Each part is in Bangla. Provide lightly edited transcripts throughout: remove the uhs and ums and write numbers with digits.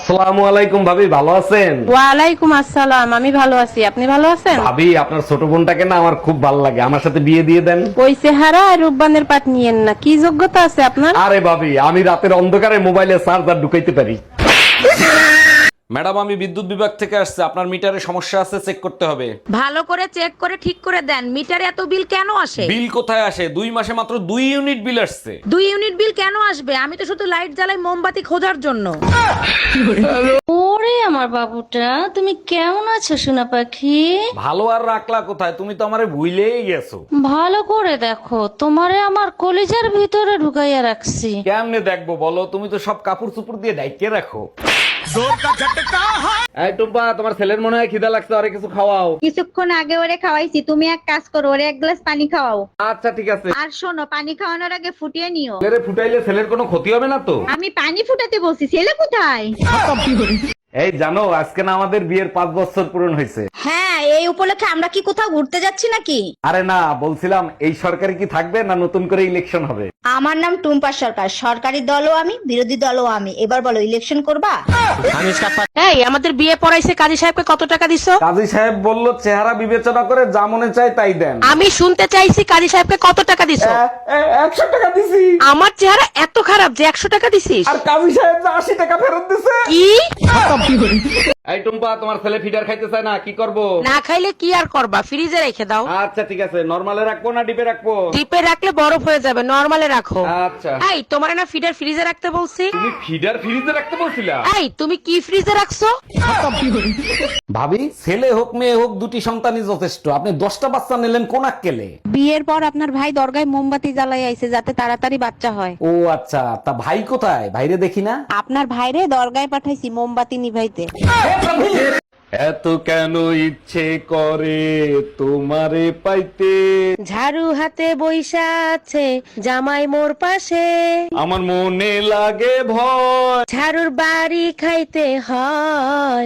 আসসালামু আলাইকুম ভাবি, ভালো আছেন? ওয়ালাইকুম আসসালাম, আমি ভালো আছি। আপনি ভালো আছেন? ভাবি, আপনার ছোট বোনটাকে না আমার খুব ভালো লাগে, আমার সাথে বিয়ে দিয়ে দেন। ওই চেহারা আর রূপবানের পাট নিয়েন না। কি যোগ্যতা আছে আপনার? আরে ভাবি, আমি রাতের অন্ধকারে মোবাইলে চার্জার ঢুকাইতে পারি। ম্যাডাম, আমি বিদ্যুৎ বিভাগ থেকে আসছে, আপনার মিটারে সমস্যা আছে, চেক করতে হবে। ভালো করে চেক করে ঠিক করে দেন। মিটারে এত বিল কেন আসে? বিল কোথায় আসে? 2 মাসে মাত্র 2 ইউনিট বিল আসছে। 2 ইউনিট বিল কেন আসবে? আমি তো শুধু লাইট জ্বালাই মোমবাতি খোঁজার জন্য। ওরে আমার বাবুটা, তুমি কেমন আছো সোনা পাখি? ভালো আর রাখলা কোথায়? তুমি তো আমারে ভুলেই গেছো। ভালো করে দেখো, তোমারে আমার কলিজার ভিতরে ঢুকাইয়া রাখছি। কেমনে দেখবো বলো? তুমি তো সব কাপড় চুপড় দিয়ে ঢাইকে রাখো। এই টুম্পা, তোমার ছেলের মনে হয় খিদা লাগছে, আরে কিছু খাওয়াও। কিছুক্ষণ আগে ওরে খাওয়াইছি, তুমি এক কাজ করো, ওরে এক গ্লাস পানি খাওয়াও। আচ্ছা ঠিক আছে। আর শোনো, পানি খাওয়ানোর আগে ফুটিয়ে নিও। ছেলেরে ফুটাইলে ছেলের কোনো ক্ষতি হবে না তো? আমি পানি ফুটাতে বলছি, ছেলে কোথায়? এই জানো, আজকে না আমাদের বিয়ের 5 বছর পূরণ হয়েছে। হ্যাঁ, এই উপলক্ষে আমরা কি কোথাও ঘুরতে যাচ্ছি নাকি? আরে না, বলছিলাম এই সরকারি কি থাকবে না নতুন করে ইলেকশন হবে? আমার নাম টুম্পা সরকার, সরকারি দলও আমি, বিরোধী দলও আমি। এবার বলো, ইলেকশন করবা? এই আমাদের বিয়ে পড়াইছে, কাজী সাহেবকে কত টাকা দিছো? কাজী সাহেব বলল চেহারা বিবেচনা করে যা মনে চায় তাই দেন। আমি শুনতে চাইছি কাজী সাহেবকে কত টাকা দিছো? 100 টাকা দিছি। আমার চেহারা এত খারাপ যে 100 টাকা দিছিস? আর কাজী সাহেব যে 80 টাকা ফেরত দিছে। কি? এই টুম্পা, তোমার ছেলে ফিডার খাইতে চায় না, কি করব? না খাইলে কি আর করবা, ফ্রিজে রেখে দাও। আচ্ছা ঠিক আছে, নরমালে রাখবো না ডিপে রাখবো? ডিপে রাখলে বরফ হয়ে যাবে, নরমালে রাখো। আচ্ছা। এই তোমার না ফিডার ফ্রিজে রাখতে বলছি? তুমি ফিডার ফ্রিজে রাখতে বলছিলা? এই তুমি কি ফ্রিজে রাখছো? ভাবি, ছেলে হোক মেয়ে হোক, দুটি সন্তানই যথেষ্ট। আপনি 10টা বাচ্চা নিলেন কোন আক্কেলে? বিয়ের পর আপনার ভাই দরগায় মোমবাতি জ্বালাই আইছে যাতে তাড়াতাড়ি বাচ্চা হয়। ও আচ্ছা, তা ভাই কোথায়? ভাইরে দেখি না। আপনার ভাইরে দরগায় পাঠাইছি মোমবাতি নিভাইতে। এত কেন ইচ্ছে করে তোমারে পাইতে, ঝাড়ু হাতে বইসা আছে জামাই মোর পাশে, আমার মনে লাগে ভয়। ঝাড়ুর বাড়ি খাইতে হয়।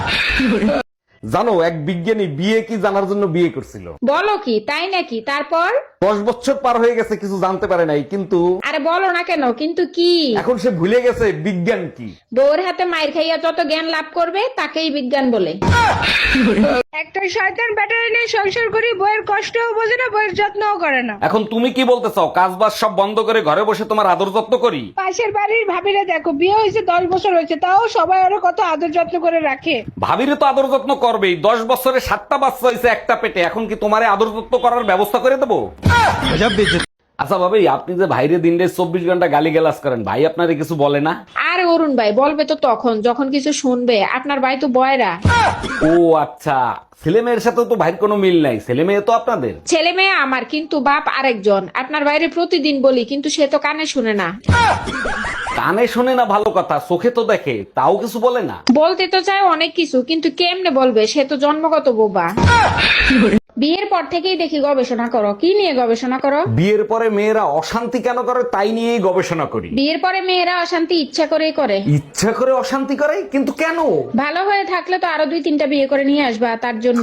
জানো, এক বিজ্ঞানী বিয়ে কি জানার জন্য বিয়ে করছিল। বলো কি, তাই নাকি? তারপর? 10 বছর পার হয়ে গেছে, কিছু জানতে পারে নাই, কিন্তু আরে বলো না কেন, কিন্তু কি? এখন সে ভুলে গেছে বিজ্ঞান কি। বউর হাতে মাইর খাইয়া যত জ্ঞান লাভ করবে তাকেই বিজ্ঞান বলে। একটা শয়তান ব্যাটারি নিয়ে সংসার করি, বইয়ের কষ্টও বোঝে না, বইয়ের যত্নও করে না। এখন তুমি কি বলতে চাও, কাজ বাজ সব বন্ধ করে ঘরে বসে তোমার আদর যত্ন করি? পাশের বাড়ির ভাবিরা দেখো, বিয়ে হয়েছে 10 বছর হয়েছে, তাও সবাই ওরা কত আদর যত্ন করে রাখে। ভাবিরে তো আদর যত্ন করবেই। 10 বছরে 7টা বাচ্চা হয়েছে একটা পেটে, এখন কি তোমারে আদর যত্ন করার ব্যবস্থা করে দেবো? আচ্ছা ভাবি, আপনি যে ভাইরে দিন 24 ঘন্টা গালি গালাজ করেন, ভাই আপনারে কিছু বলে না? আর অরুণ ভাই বলবে তো তখন যখন কিছু শুনবে। আপনার ভাই তো বয়রা। ও আচ্ছা, ছেলে মেয়ের সাথে তো ভাইয়ের কোনো মিল নাই, ছেলে মেয়ে তো আপনাদের। ছেলে মেয়ে আমার, কিন্তু বাপ আরেকজন। আপনার বাইরে প্রতিদিন বলি, কিন্তু সে তো কানে শুনে না। কানে শোনে না ভালো কথা, চোখে তো দেখে, তাও কিছু বলে না। বলতে তো চায় অনেক কিছু, কিন্তু কেমনে বলবে? সে তো জন্মগত বোবা। বিয়ের পর থেকেই দেখি গবেষণা করো। কি নিয়ে গবেষণা করো? বিয়ের পরে মেয়েরা অশান্তি কেন করে তাই নিয়েই গবেষণা করি। বিয়ের পরে মেয়েরা অশান্তি ইচ্ছা করেই করে। ইচ্ছা করে অশান্তি করে, কিন্তু কেন? ভালো হয়ে থাকলে তো আরো 2-3টা বিয়ে করে নিয়ে আসবা, তার জন্য।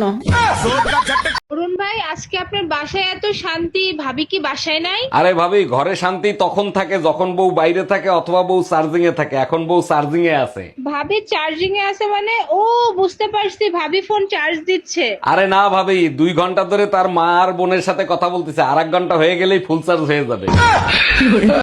অরুণ ভাই, আজকে আপনার বাসায় এত শান্তি, ভাবি কি বাসায় নাই? আরে ভাবি, ঘরে শান্তি তখন থাকে যখন বউ বাইরে থাকে অথবা বউ চার্জিং এ থাকে। এখন বউ চার্জিং এ আছে। ভাবি চার্জিং এ আছে মানে? ও বুঝতে পারছি, ভাবি ফোন চার্জ দিচ্ছে। আরে না ভাবি, 2 ঘন্টা ধরে তার মা আর বোনের সাথে কথা বলতেছে, আর 1 ঘন্টা হয়ে গেলেই ফুল চার্জ হয়ে যাবে।